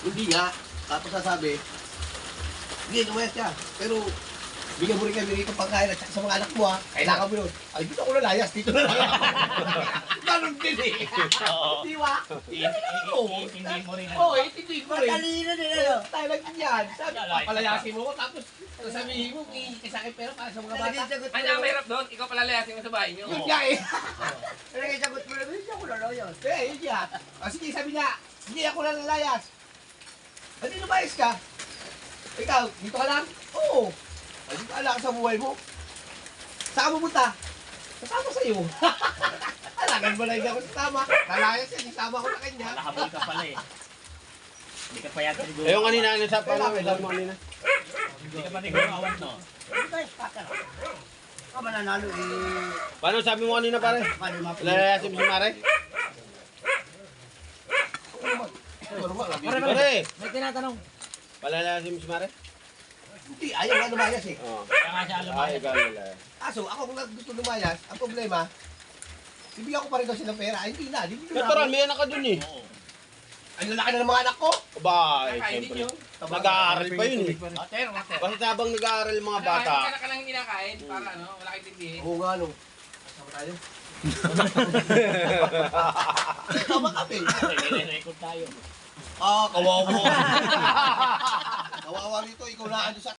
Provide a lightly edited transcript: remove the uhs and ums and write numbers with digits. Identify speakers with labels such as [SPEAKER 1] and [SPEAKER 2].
[SPEAKER 1] Hindi nga. Tapos sasabi, hindi, lumayas ka. Pero, bigyan mo rin kami rito pagkain at saka sa mga anak mo ha. Kailangan mo yun. Ay, dito ako nalayas. Dito na lang. Ganun din eh. Di ba?
[SPEAKER 2] Hindi mo rin.
[SPEAKER 1] Oo, hindi mo rin.
[SPEAKER 3] Matalino din ano.
[SPEAKER 1] Tayo lang din yan. Sabi, papalayasin mo ko. Tapos, sasabihin mo, iikis sa akin pero para sa mga bata.
[SPEAKER 4] Ano ang mahirap doon? Ikaw pala layasin mo sa bahay niyo.
[SPEAKER 1] Yun nga eh.
[SPEAKER 3] Pero kaya sagot mo naman, hindi ako laloyos.
[SPEAKER 1] Eh, yun nga. Sige, sabi niya, hindi ako nalayas. Hindi lumayas ka. Ikaw, dito ka lang? Oo. Dito ka lang sa buhay mo. Saan ka pupunta? Kasama sa'yo. Alagan mo lang hindi ako sasama. Nalayas yan, isama ko na kanya.
[SPEAKER 2] Nakahabol ka pala eh. Hindi ka pa yata siguro.
[SPEAKER 5] Ayun kanina, ano sa pala? Alam mo kanina.
[SPEAKER 2] Hindi ka pa siguro awan no.
[SPEAKER 3] Hindi tayo pakar. Ka mananalo eh.
[SPEAKER 5] Paano sabi mo kanina pare?
[SPEAKER 3] Paano mapili?
[SPEAKER 5] Lalayasin mo si Mare? Pare!
[SPEAKER 2] May tinatanong.
[SPEAKER 5] Palalayasin mo si Mare?
[SPEAKER 1] Hindi, ayaw nga lumayas eh.
[SPEAKER 5] Oo.
[SPEAKER 2] Kaya nga siya
[SPEAKER 5] Ay,
[SPEAKER 2] lumayas.
[SPEAKER 5] ikaw lalayas.
[SPEAKER 1] Kaso, ako kung gusto lumayas, ang problema, bibigyan ko pa rin daw silang pera. Ay, hindi na, hindi na.
[SPEAKER 5] Natural, may anak ka dun eh.
[SPEAKER 2] Oo.
[SPEAKER 1] Ang lalaki na ng mga anak ko.
[SPEAKER 5] Aba, eh,
[SPEAKER 4] Kakainin
[SPEAKER 5] siyempre.
[SPEAKER 4] niyo.
[SPEAKER 5] Nag-aaral pa yun eh.
[SPEAKER 2] Water, water.
[SPEAKER 5] Basta habang nag-aaral yung mga bata.
[SPEAKER 4] Kaya ka lang hindi nakain para ano, wala kang tindihin.
[SPEAKER 1] Oo nga, no. Kasama tayo. Kasama kami.
[SPEAKER 2] Nire-record tayo.
[SPEAKER 1] Ah, kawawa. Kawawa rito, ikaw na ano sa